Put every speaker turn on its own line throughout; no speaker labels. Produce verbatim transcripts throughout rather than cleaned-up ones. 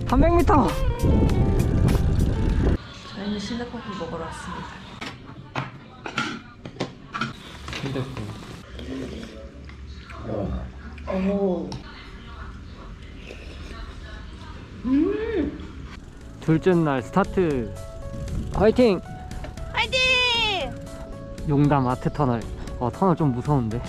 삼백 미터.
저희는 시내커피 먹으러 왔습니다. 오. 음.
둘째 날 스타트. 화이팅!
화이팅!
용담 아트 터널. 어, 터널 좀 무서운데.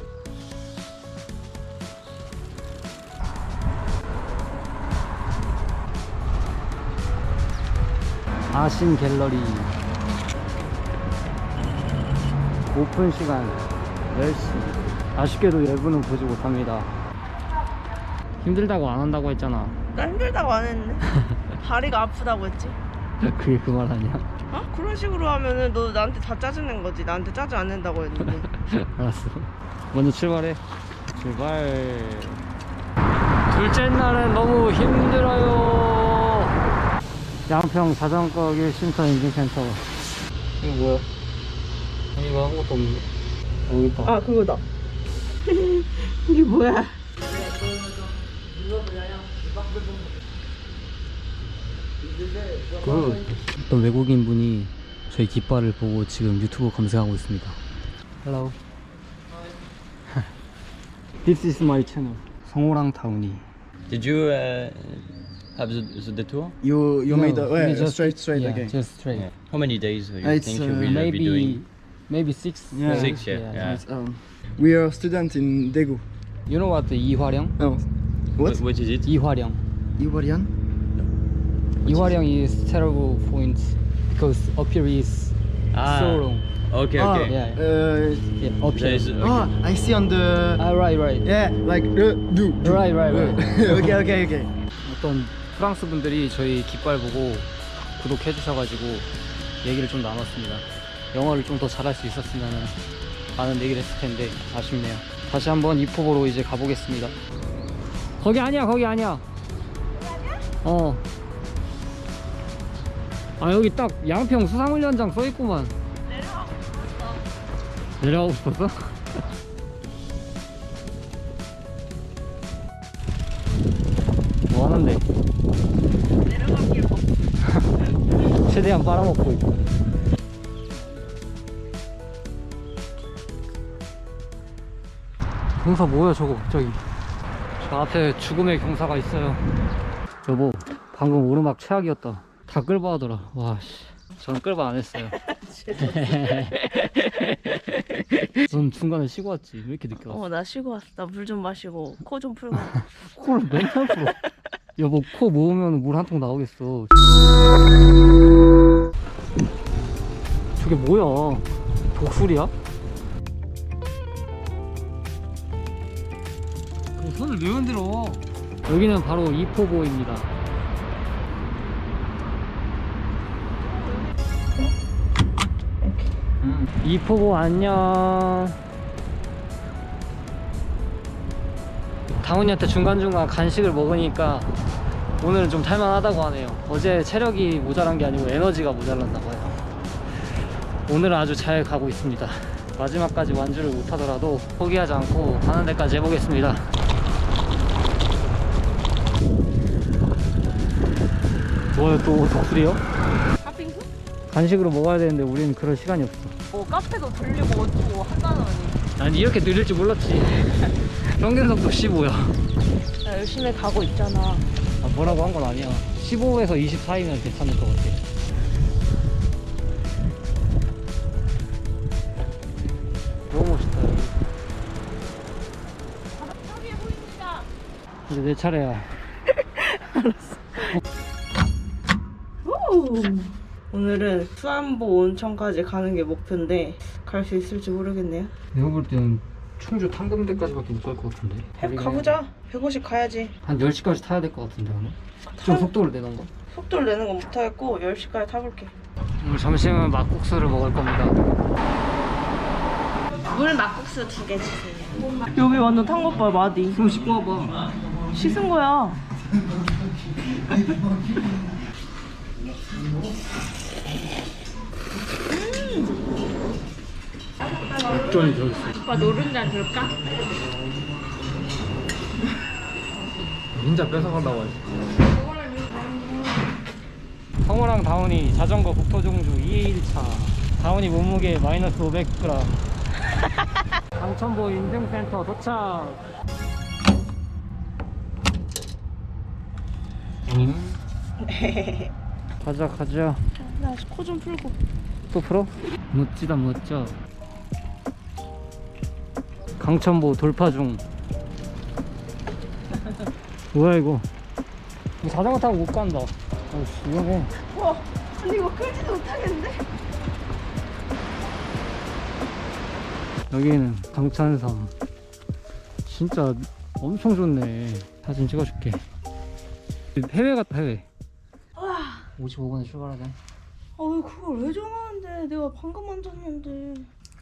아신 갤러리. 오픈 시간 열 시. 아쉽게도 예부는 보지 못합니다. 힘들다고 안 한다고 했잖아.
나 힘들다고 안 했네. 다리가 아프다고 했지.
그게 그 말 아니야?
어? 그런 식으로 하면은 너 나한테 다 짜증낸 거지. 나한테 짜증 안 낸다고 했는데.
알았어. 먼저 출발해. 출발. 둘째 날은 너무 힘들어요. 양평 자전거 일쉼터 인증센터. 이거 뭐야? 이거 아무것도 없네. 여기 있다.
아 그거다. 이게 뭐야?
그 어떤 외국인 분이 저희 깃발을 보고 지금 유튜브 검색하고 있습니다. Hello. This is my channel. 성호랑 타운이.
Did you uh, have the, the detour?
You you made a
we
yeah,
just-
straight straight
yeah,
again.
just straight.
Yeah. How many days do you
It's,
think you
uh,
will uh, be
Maybe
doing?
maybe six.
Yeah.
Six, yeah, yeah.
It's, um, we are a student in Daegu.
You know what? 이화령?
Oh, what?
What is it?
이화령.
Iwarian?
이화령 is terrible point because up here is
Ah.
so long.
Okay,
Ah,
okay.
Yeah.
Uh,
Yeah, up
There
here.
is- okay.
ah, I see on the
Ah, right, right.
yeah, like uh, do, do.
Right, right, right.
okay, okay, okay.
어떤 프랑스 분들이 저희 깃발 보고 구독해 주셔가지고 얘기를 좀 나눴습니다. 영어를 좀 더 잘할 수 있었으면 많은 얘기를 했을 텐데 아쉽네요. 다시 한번 이포보로 이제 가보겠습니다. 거기 아니야, 거기 아니야. 어. 아, 여기 딱 양평 수상훈련장 써있구만. 내려가고 싶었어? 뭐 하는데?
내려가기에 뭐.
최대한 빨아먹고 있고. 경사 뭐야 저거 갑자기. 저 앞에 죽음의 경사가 있어요. 여보, 방금 오르막 최악이었다. 다 끌바 하더라. 와씨, 저는 끌바 안 했어요. 넌 중간에 쉬고 왔지? 왜 이렇게 늦게 왔어?
어 나 쉬고 왔어. 나 물 좀 마시고 코 좀 풀고.
코를 맨날 풀어. 여보, 코 모으면 물 한 통 나오겠어. 저게 뭐야? 독수리야? 그 손을 왜 흔들어? 여기는 바로 이포보입니다. 음, 이포보 안녕. 다운이한테 중간중간 간식을 먹으니까 오늘은 좀 탈만하다고 하네요. 어제 체력이 모자란 게 아니고 에너지가 모자랐나 봐요. 오늘은 아주 잘 가고 있습니다. 마지막까지 완주를 못하더라도 포기하지 않고 하는 데까지 해보겠습니다. 뭐야, 또 독수리요?
팥빙수?
간식으로 먹어야 되는데 우리는 그럴 시간이 없어.
뭐 카페도 들리고 어쩌고 한다느니.
난 이렇게 느릴 줄 몰랐지. 평균 속도 십오야.
나 열심히 가고 있잖아.
아, 뭐라고 한 건 아니야. 십오에서 이십 사이면 괜찮을 것 같아. 너무 멋있다 여기.
저기에 보입니다.
이제 내 차례야.
오늘은 수안보 온천까지 가는 게 목표인데 갈 수 있을지 모르겠네요.
내가 볼 때는 충주 탕금대까지밖에 못 갈 것 같은데.
해, 가보자. 백오십 가야지.
한 열 시까지 타야 될 것 같은데 오늘? 좀
타-
속도를 내던가.
속도를 내는 건 못하겠고 열 시까지 타볼게.
오늘 점심은 막국수를 먹을 겁니다.
물 막국수 두 개 주세요. 여기 완전 탄 것 봐, 마디.
그럼 씻고 와봐.
씻은 거야.
액젓이 들어있어.
오빠 노른자 줄까?
진짜 뺏어가려고 하지. 성우랑 다운이 자전거 북토종주 이 일차. 다운이 몸무게 마이너스 오백 그램. 강천보 인증센터 도착. 음. 가자 가자.
나 코 좀 풀고.
또 풀어? 멋지다 멋져. 강천보 돌파 중. 뭐야 이거? 이거 자전거 타고 못 간다. 어이씨 위험해.
와, 근데 이거 끌지도 못하겠는데?
여기는 강찬섬. 진짜 엄청 좋네. 사진 찍어줄게. 해외 같다 해외.
와,
오십오 분에 출발하자.
아 왜 그걸 왜 전화하는데? 내가 방금 만졌는데.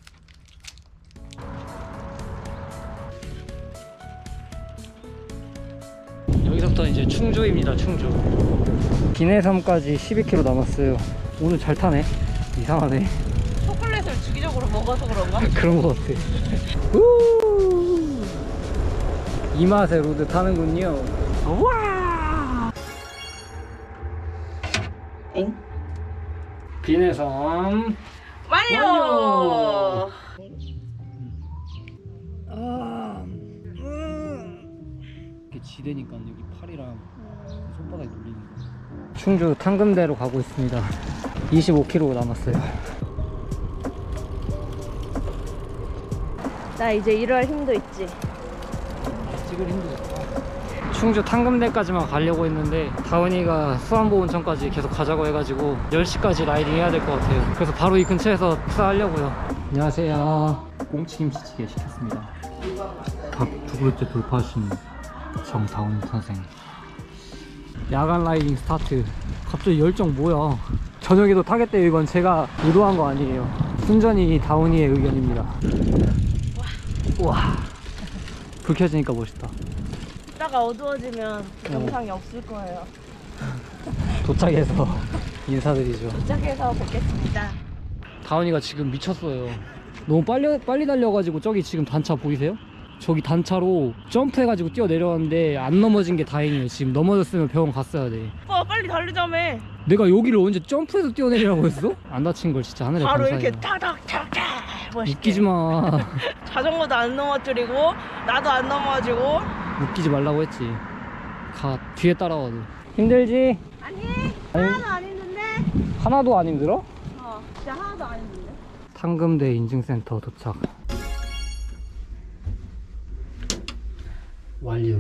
여기서부터 이제 충주입니다. 충주. 기내섬까지 십이 킬로미터 남았어요. 오늘 잘 타네. 이상하네.
초콜릿을 주기적으로 먹어서 그런가?
그런 거 같아. 우! 이 맛에 로드 타는군요. 와!
엥?
기내섬
완료!
완료! 이렇게 지대니까 여기 팔이랑 손바닥에 눌리는 거. 충주 탕금대로 가고 있습니다. 이십오 킬로미터 남았어요.
나 이제 일할 힘도 있지.
찍을 힘들어. 충주 탕금대까지만 가려고 했는데 다운이가 수안보 온천까지 계속 가자고 해가지고 열 시까지 라이딩 해야 될 것 같아요. 그래서 바로 이 근처에서 식사하려고요. 안녕하세요. 꽁치김치찌개 시켰습니다. 밥 두 그릇째 돌파하신 정다운 선생. 야간 라이딩 스타트. 갑자기 열정 뭐야. 저녁에도 타겠대요. 이건 제가 의도한 거 아니에요. 순전히 다운이의 의견입니다. 우와. 불 켜지니까 멋있다.
이따가 어두워지면
어.
영상이 없을 거예요.
도착해서 인사드리죠.
도착해서 뵙겠습니다.
다운이가 지금 미쳤어요. 너무 빨리 빨리 달려가지고 저기 지금 단차 보이세요? 저기 단차로 점프해가지고 뛰어 내려왔는데 안 넘어진 게 다행이에요. 지금 넘어졌으면 병원 갔어야 돼.
오빠 빨리 달리자며.
내가 여기를 언제 점프해서 뛰어내리라고 했어? 안 다친 걸 진짜 하늘에
바로
감사해요.
이렇게 타닥타닥 멋있게.
웃기지 마.
자전거도 안 넘어뜨리고 나도 안 넘어지고.
웃기지 말라고 했지. 가 뒤에 따라와도. 힘들지?
아니
아니.
하나도 안 힘든데.
하나도 안 힘들어?
어 진짜 하나도 안 힘든데.
탕금대 인증센터 도착. 완료.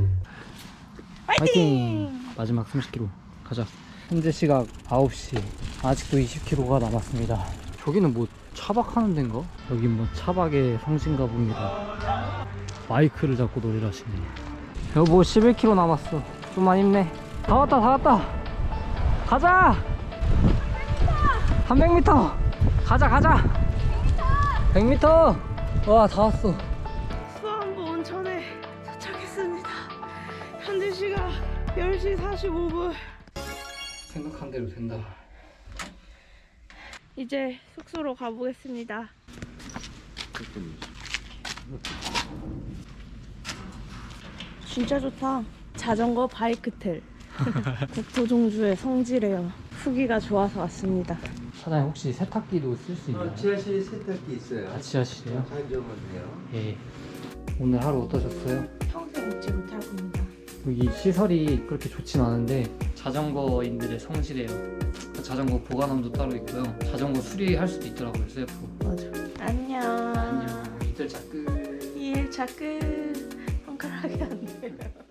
파이팅! 마지막 삼십 킬로미터 가자. 현재 시각 아홉 시. 아직도 이십 킬로미터가 남았습니다. 저기는 뭐 차박하는 데인가? 여긴 뭐 차박의 성지인가 봅니다. 마이크를 잡고 노래를 하시네. 여보 십일 킬로미터 남았어. 좀만 힘내. 다 왔다 다 왔다. 가자. 삼백 미터. 가자 가자. 백 미터. 와 다 왔어.
수안보 온천에 도착했습니다. 현재 시각 열 시 사십오 분.
생각한 대로 된다.
이제 숙소로 가보겠습니다. 진짜 좋다. 자전거 바이크텔. 국토종주의 성지래요. 후기가 좋아서 왔습니다.
사장님 혹시 세탁기도 쓸 수 있나요?
어, 지하실에 세탁기 있어요.
아, 지하실이요?
가져오면 돼요.
예. 오늘 하루 어떠셨어요?
평생 잊지 못할 겁니다.
여기 시설이 그렇게 좋진 않은데 자전거인들의 성지래요. 자전거 보관함도 따로 있고요. 자전거 수리할 수도 있더라고요, 셀프.
맞아. 안녕.
안녕. 이틀 차 끝.
이 일 차 끝. 손가락이 안 돼.